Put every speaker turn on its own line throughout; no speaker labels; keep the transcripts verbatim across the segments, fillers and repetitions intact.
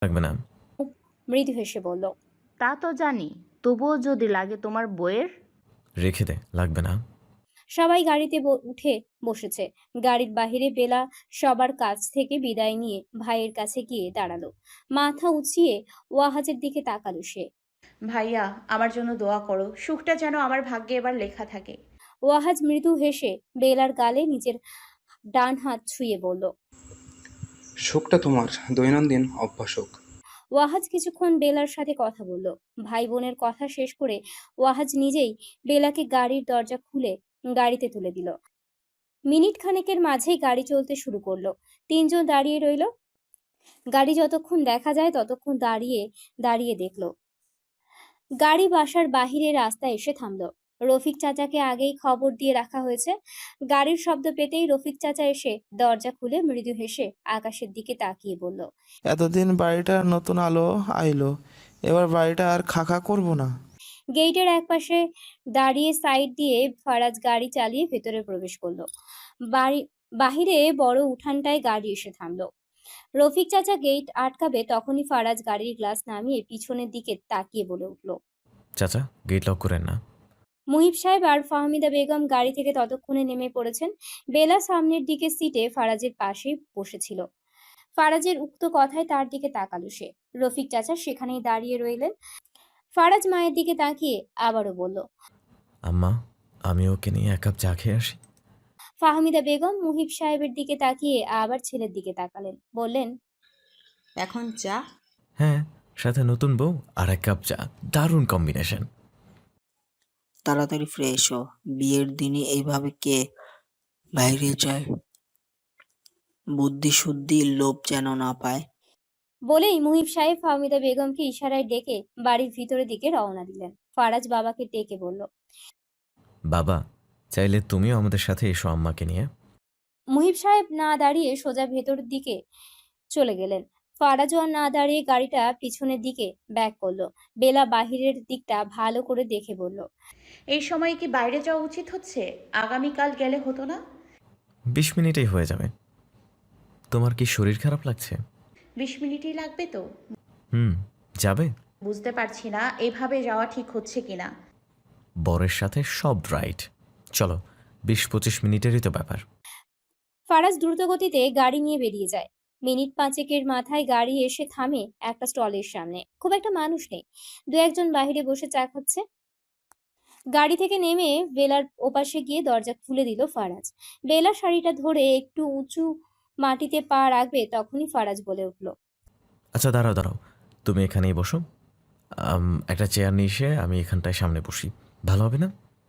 লাগবে না।
মৃদু হেসে বলল,
তা তো জানি, তবুও যদি লাগে তোমার বইয়ের।
রেখে দে, লাগবে না।
সবাই গাড়িতে উঠে বসেছে। গাড়ির বাহিরে বেলা সবার কাছ থেকে বিদায় নিয়ে ভাইয়ের কাছে গিয়ে দাঁড়ালো। মাথা উঁচিয়ে ওয়াহাজের দিকে তাকালো সে।
ভাইয়া, আমার জন্য দোয়া করো, সুখটা যেন আমার ভাগ্যে এবার লেখা থাকে।
ওয়াহাজ মৃদু হেসে বেলার গালে নিজের ডান হাত ছুঁয়ে বলল,
সুখটা তোমার দৈনন্দিন অভ্যাস হোক।
ওয়াহাজ কিছুক্ষণ বেলার সাথে কথা বলল। ভাই বোনের কথা শেষ করে ওয়াহাজ নিজেই বেলাকে গাড়ির দরজা খুলে গাড়িতে তুলে দিল। মিনিট খানেকের মাঝেই গাড়ি চলতে শুরু করলো। তিনজন দাঁড়িয়ে রইল। গাড়ি যতক্ষণ দেখা যায় ততক্ষণ দাঁড়িয়ে দাঁড়িয়ে দেখলো। গাড়ি বাসার বাহিরে রাস্তায় এসে থামলো। রফিক চাচাকে আগেই খবর দিয়ে রাখা হয়েছে। গাড়ির শব্দ পেতেই রফিক চাচা এসে দরজা খুলে মৃদু হেসে আকাশের দিকে তাকিয়ে বলল,
এতদিন বাড়িটা নতুন আলো আইলো, এবার বাড়িটা আর খাখা করব না।
গেটের একপাশে দাঁড়িয়ে সাইড দিয়ে ফারাজ গাড়ি চালিয়ে ভেতরে প্রবেশ করলো। বাড়ি বাহিরে বড় উঠানটায় গাড়ি এসে থামলো। রফিক চাচা গেট আটকাবে তখনই ফারাজ গাড়ির গ্লাস নামিয়ে পিছনের দিকে তাকিয়ে বলে উঠল,
চাচা, গেট লক করেন না।
মুহিব সাহেব আর ফাহমিদা বেগম গাড়ি থেকে ততক্ষণে নেমে পড়েছেন। বেলা সামনের দিকে সিটে ফারাজের পাশেই বসেছিল। ফারাজের উক্ত কথায় তার দিকে তাকালো সে। রফিক চাচা সেখানেই দাঁড়িয়ে রইলেন। ফারাজ মায়ের দিকে তাকিয়ে আবারও বলল,
আম্মা, আমি ওকে নিয়ে এক কাপ চা খেয়ে আসি।
ফাহমিদা বেগম মুহিব সাহেবের দিকে তাকিয়ে আবার ছেলের দিকে তাকালেন, বললেন,
এখন চা?
হ্যাঁ, সাথে নতুন বউ আর এক কাপ চা, দারুণ কম্বিনেশন।
তাড়াতাড়ি ফ্রেশ হো, বিয়ের দিনে এইভাবে কে বাইরে যায়? বুদ্ধি শুদ্ধি লোভ যেন না পায়।
বলেই মুহিব সাহেব ফাহমিদা বেগমকে ইশারায় ডেকে বাড়ির ভিতরের দিকে রওনা দিলেন। ফারাজ বাবাকে ডেকে বলল,
বাবা, চাইলে তুমিও আমাদের সাথে এসো আম্মাকে নিয়ে।
মুহিব সাহেব না দাঁড়িয়ে সোজা ভেতরের দিকে চলে গেলেন। ফারাজও আর না দাঁড়িয়ে গাড়িটা পিছনের দিকে ব্যাক করলো। বেলা বাহিরের দিকটা ভালো করে দেখে বলল,
এই সময় কি বাইরে যাওয়া উচিত হচ্ছে? আগামীকাল গেলে হতো না?
বিশ মিনিটেই হয়ে যাবে। তোমার কি শরীর খারাপ লাগছে?
বিশ মিনিটই লাগবে তো?
হুম, যাবে।
বুঝতে পারছি না এভাবে যাওয়া ঠিক হচ্ছে কিনা।
বরের সাথে সব রাইট। চলো, বিশ পঁচিশ মিনিটেরই তো ব্যাপার।
ফারাজ দ্রুতগতিতে গাড়ি নিয়ে বেরিয়ে যায়। মিনিট পাঁচেকের মাথায় গাড়ি এসে থামে একটা স্টলের সামনে। খুব একটা মানুষ নেই। দু একজন বাহিরে বসে চা খাচ্ছে। গাড়ি থেকে নেমে বেলার ওপাশে গিয়ে দরজা খুলে দিল ফারাজ। বেলা শাড়িটা ধরে একটু উঁচু মাটিতে পা রাখবে তখনই ফারাজ বলে উঠল,
আচ্ছা, দাঁড়াও দাঁড়াও, তুমি এখানেই বসো। আম, একটা চেয়ার নিয়ে এসে আমি এখানটায় সামনে বসি, ভালো হবে না?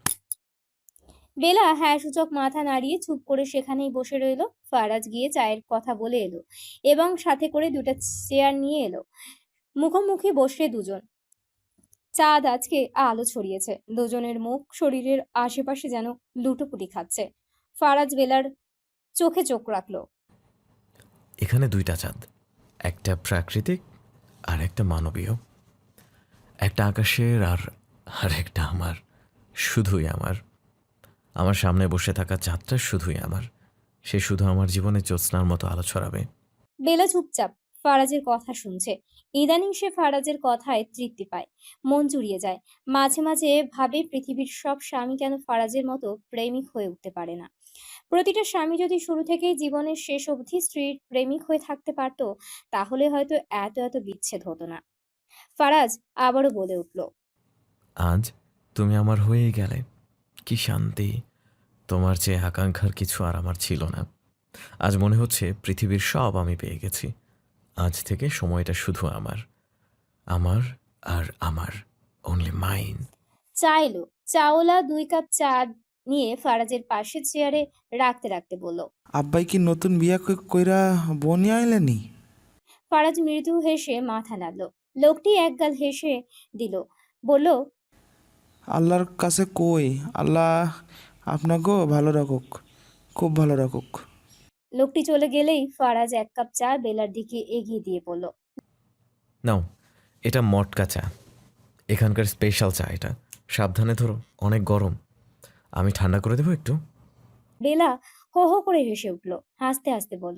বেলা হ্যাঁ সূচক মাথা নাড়িয়ে চুপ করে সেখানেই বসে রইল। ফারাজ গিয়ে চায়ের কথা বলে এলো এবং সাথে করে দুটা চেয়ার নিয়ে এলো। মুখোমুখি বসে দুজন। চাঁদ আজকে আলো ছড়িয়েছে। দুজনের মুখ শরীরের আশেপাশে যেন লুটোপুটি খাচ্ছে। ফারাজ বেলার চোখে চোখ রাখলো।
এখানে দুইটা চাঁদ, একটা প্রাকৃতিক আর একটা মানবীয়। একটা আকাশের আর আর একটা আমার, শুধুই আমার। আমার সামনে বসে থাকা চাঁদটা শুধুই আমার। সে শুধু আমার জীবনে জ্যোৎস্নার মতো আলো ছড়াবে।
বেলা চুপচাপ ফারাজের কথা শুনছে। ইদানিং সে ফারাজের কথায় তৃপ্তি পায়, মন জুড়িয়ে যায়। মাঝে মাঝে ভাবে পৃথিবীর সব স্বামী কেন ফারাজের মতো প্রেমিক হয়ে উঠতে পারে না। প্রতিটা স্বামী যদি শুরু থেকেই জীবনের শেষ অবধি স্ত্রীর প্রেমিক হয়ে থাকতে পারত, তাহলে হয়তো এত এত বিচ্ছেদ হতো না। ফারাজ আবারও বলে উঠল,
আজ তুমি আমার হয়েই গেলে। কি শান্তি! তোমার চেয়ে আকাঙ্ক্ষার কিছু আর আমার ছিল না। আজ মনে হচ্ছে পৃথিবীর সব আমি পেয়ে গেছি। আজ থেকে সময়টা শুধু আমার, আমার আর আমার, অনলি মাইন।
চা এলো। চাওলা দুই কাপ চা নিয়ে ফারাজের পাশের চেয়ারে রাখতে রাখতে বলল,
আব্বাই কি নতুন বিয়া কই- কইরা বনি আইলেনি?
ফারাজ মৃদু হেসে মাথা নাড়ল। লোকটি একগাল হেসে দিল, বলল,
আল্লাহর কাছে কই, আল্লাহ আপনাকেও ভালো রাখুক, খুব ভালো রাখুক।
লোকটি চলে গেলেই ফারাজ এক কাপ চা বেলার দিকে এগিয়ে দিয়ে বলল,
নাও, এটা মটকা চা, এখানকার স্পেশাল চা এটা। সাবধানে ধরো, অনেক গরম। আমি ঠান্ডা করে দেবো একটু।
বেলা হো হো করে হেসে উঠল। হাসতে হাসতে বলল,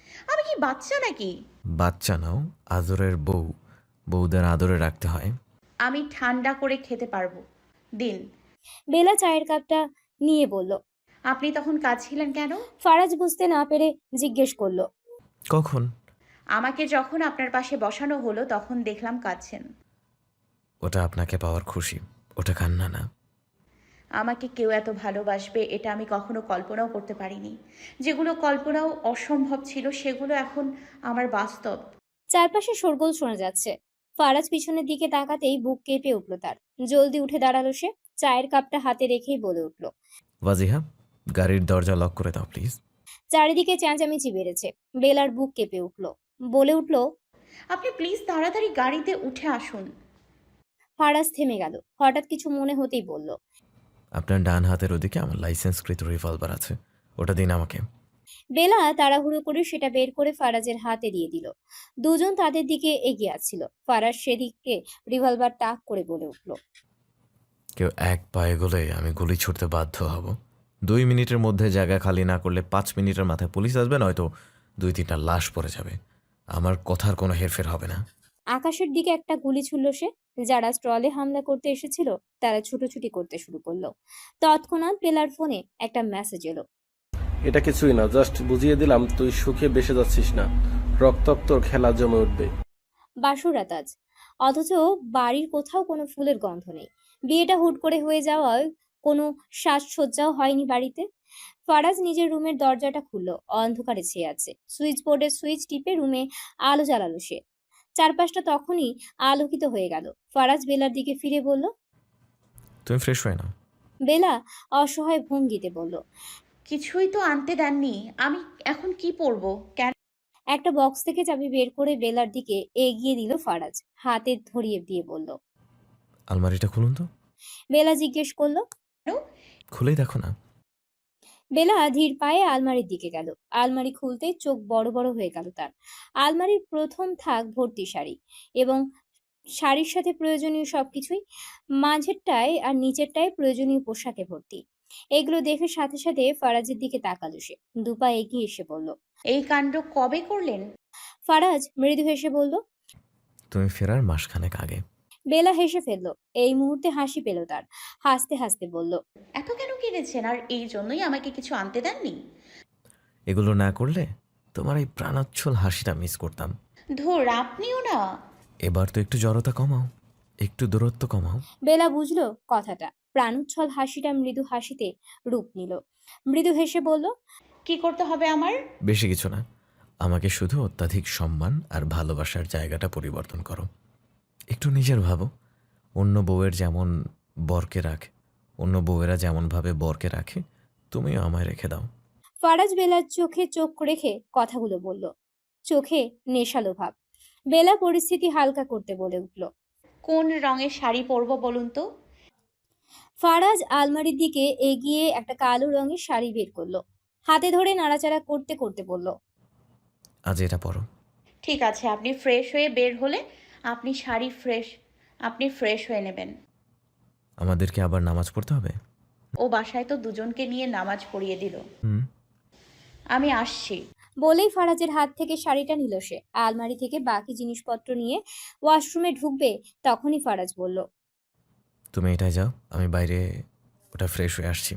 আমি কি বাচ্চা নাকি?
বাচ্চা নাও, আদরের বউ। বউদের আদরে রাখতে হয়।
আমি ঠান্ডা করে খেতে পারবো, দিন।
বেলা চায়ের কাপটা নিয়ে বলল।
আপনি তখন কাঁদছিলেন কেন?
ফারাজ বুঝতে না পেরে জিজ্ঞেস করলো।
কখন?
আমাকে যখন আপনার পাশে বসানো হলো তখন দেখলাম কাঁদছেন।
ওটা আপনাকে পাওয়ার খুশি, ওটা কান্না না।
আমাকে কেউ এত ভালোবাসবে এটা আমি কখনো কল্পনাও করতে পারিনি। যেগুলো কল্পনাও অসম্ভব ছিল সেগুলো এখন আমার বাস্তব।
চারপাশে শোরগোল শোনা যাচ্ছে। ফারাজ পিছনের দিকে তাকাতেই বুক কেঁপে উঠল তার। জলদি উঠে দাঁড়ালো সে। চায়ের কাপটা হাতে রেখেই বলে উঠল।
ওয়াজিহা, গাড়ির দরজা লক করে দাও প্লিজ।
চারিদিকে চেঁচামেচি বেড়েছে। বেলার বুক কেঁপে উঠল। বলে উঠল।
আপনি প্লিজ তাড়াতাড়ি গাড়িতে উঠে আসুন।
ফারাজ থেমে গেল। হঠাৎ কিছু মনে হতেই বলল।
আপনার ডান হাতের ওদিকে আমার লাইসেন্সকৃত রিভলভার আছে, ওটা দিন আমাকে।
বেলা তাড়াহুড়ো করে সেটা বের করে ফারাজের হাতে দিয়ে দিল। দুজন তাদের দিকে এগিয়ে আসছিল। ফারাজ সেদিকে রিভলভার তাক করে বলে উঠল।
কেউ এক পায়ে গলে আমি গুলি ছুটতে বাধ্য হব। দুই মিনিটের মধ্যে জায়গা খালি না করলে পাঁচ মিনিটের মাথায় পুলিশ আসবে, নয়তো দুই তিনটা লাশ পড়ে যাবে। আমার কথার কোনো হেরফের হবে না।
আকাশের দিকে একটা গুলি ছুড়ল সে। যারা স্টলে হামলা করতে এসেছিল তারা ছুটোছুটি করতে শুরু করলো। তৎক্ষণাৎ বেলার ফোনে একটা মেসেজ এলো।
এটা কিছুই না, জাস্ট বুঝিয়ে দিলাম তুই সুখে বেসে যাচ্ছিস না, রক্তাক্ত খেলা জমে উঠবে।
বাসুরাত আজ, অথচ বাড়ির কোথাও কোনো ফুলের গন্ধ নেই। বিয়েটা হুট করে হয়ে যাওয়ায় কোনো সাজসজ্জাও হয়নি বাড়িতে। ফারাজ নিজের রুমের দরজাটা খুললো। অন্ধকারে ছেয়ে আছে। সুইচ বোর্ডের সুইচ টিপে রুমে আলো জ্বালালো সে। চারপাশটা তখনই আলোকিত হয়ে গেল। ফারাজ বেলার দিকে ফিরে বলল।
তুমি ফ্রেশ হয়ে নাও।
বেলা অসহায় ভঙ্গিতে বলল।
কিছুই তো আনতে দেননি, আমি এখন কি পরবো? কেন?
একটা বক্স থেকে চাবি বের করে বেলার দিকে এগিয়ে দিল ফারাজ। হাতে ধরিয়ে দিয়ে বলল।
আলমারিটা খুলুন তো।
বেলা জিজ্ঞেস করলো।
খুলেই দেখো না।
বেলা ধীর পায়ে আলমারির দিকে গেল। আলমারি খুলতেই চোখ বড় বড় হয়ে গেল তার। আলমারির প্রথম থাক ভর্তি শাড়ি এবং শাড়ির সাথে প্রয়োজনীয় সবকিছুই। মাঝেরটায় আর নিচেরটায় প্রয়োজনীয় পোশাকে ভর্তি। এগুলো দেখে সাথে সাথে ফারাজের দিকে তাকালো সে। দুপা এগিয়ে এসে বলল।
এই কাণ্ড কবে করলেন?
ফারাজ মৃদু হেসে বলল।
তুমি ফেরার মাসখানেক আগে।
বেলা হেসে ফেলল। এই মুহূর্তে হাসি পেল তার। হাসতে হাসতে বলল।
এত কেন কিনেছেন আর এই জন্যই আমাকে কিছু আনতে দেননি?
এগুলো না করলে তোমার এই প্রাণোচ্ছল হাসিটা মিস করতাম।
ধুর, আপনিও না।
এবার তো একটু জড়তা কমাও, একটু দূরত্ব কমাও।
বেলা বুঝলো কথাটা। প্রাণোচ্ছল হাসিটা মৃদু হাসিতে রূপ নিল। মৃদু হেসে বলল।
কি করতে হবে আমার?
বেশি কিছু না, আমাকে শুধু অত্যাধিক সম্মান আর ভালোবাসার জায়গাটা পরিবর্তন করো। একটু নিজের ভাবো, অন্য বউয়ের যেমন বরকে রাখে, অন্য বউয়েরা যেমনভাবে বরকে রাখে, তুমিও আমায় রেখে দাও।
ফারাজ বেলার চোখে চোখ রেখে কথাগুলো বলল। চোখে নেশালো ভাব। বেলা পরিস্থিতি হালকা করতে বলে উঠল।
কোন রঙের শাড়ি পরবো বলুন তো?
ফারাজ আলমারির দিকে এগিয়ে একটা কালো রঙের শাড়ি বের করলো। হাতে ধরে নাড়াচাড়া করতে করতে বলল।
আজ এটা পরো।
ঠিক আছে, আপনি ফ্রেশ হয়ে বের হলে আপনি শাড়ি ফ্রেশ আপনি ফ্রেশ হয়ে নেবেন।
আমাদেরকে আবার নামাজ পড়তে হবে?
ও বাসায় তো দুজনকে নিয়ে নামাজ পড়িয়ে দিল।
হুম।
আমি আসছি।
বলেই ফারাজের হাত থেকে শাড়িটা নিল সে। আলমারি থেকে বাকি জিনিসপত্র নিয়ে ওয়াশরুমে ঢুকবে তখনই ফারাজ বলল।
তুমি এটাই যাও, আমি বাইরে ওটা ফ্রেশ হয়ে আসছি।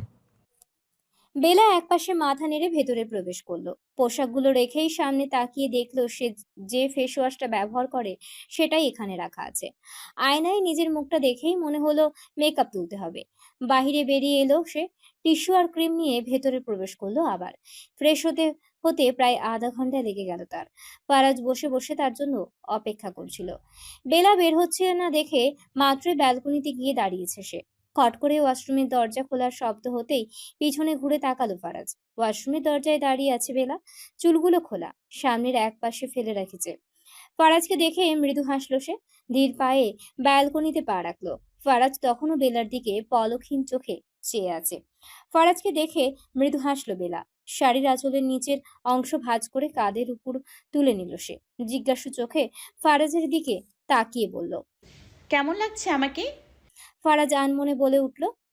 বেলা একপাশে মাথা নেড়ে ভেতরে প্রবেশ করলো। পোশাকগুলো রেখেই সামনে তাকিয়ে দেখলো সে যে ফেস ওয়াশটা ব্যবহার করে সেটাই এখানে রাখা আছে। আয়নায় নিজের মুখটা দেখেই মনে হলো মেকআপ তুলতে হবে। বাহিরে বেরিয়ে এলো সে। টিস্যু আর ক্রিম নিয়ে ভেতরে প্রবেশ করলো আবার। ফ্রেশ হতে হতে প্রায় আধা ঘন্টা লেগে গেল তার। ফারাজ বসে বসে তার জন্য অপেক্ষা করছিল। বেলা বের হচ্ছে না দেখে মাত্রই ব্যালকনিতে গিয়ে দাঁড়িয়েছে সে। খট করে ওয়াশরুমের দরজা খোলার শব্দ হতেই পিছনে ঘুরে তাকালো ফারাজ। ওয়াশরুমের দরজায় দাঁড়িয়ে আছে বেলা। চুলগুলো খোলা, সামনের এক পাশে ফেলে রেখেছে। ফারাজকে দেখে মৃদু হাসলো সে। ধীর পায়ে ব্যালকনিতে পা রাখলো। ফারাজ তখনও বেলার দিকে পলকহীন চোখে চেয়ে আছে। ফারাজকে দেখে মৃদু হাসলো বেলা। শাড়ির আঁচলের নিচের অংশ ভাঁজ করে কাঁধের উপর তুলে নিল সে। জিজ্ঞাসু চোখে ফারাজের দিকে তাকিয়ে বলল।
কেমন লাগছে আমাকে?
ফারাজ আনমনে বলে উঠল।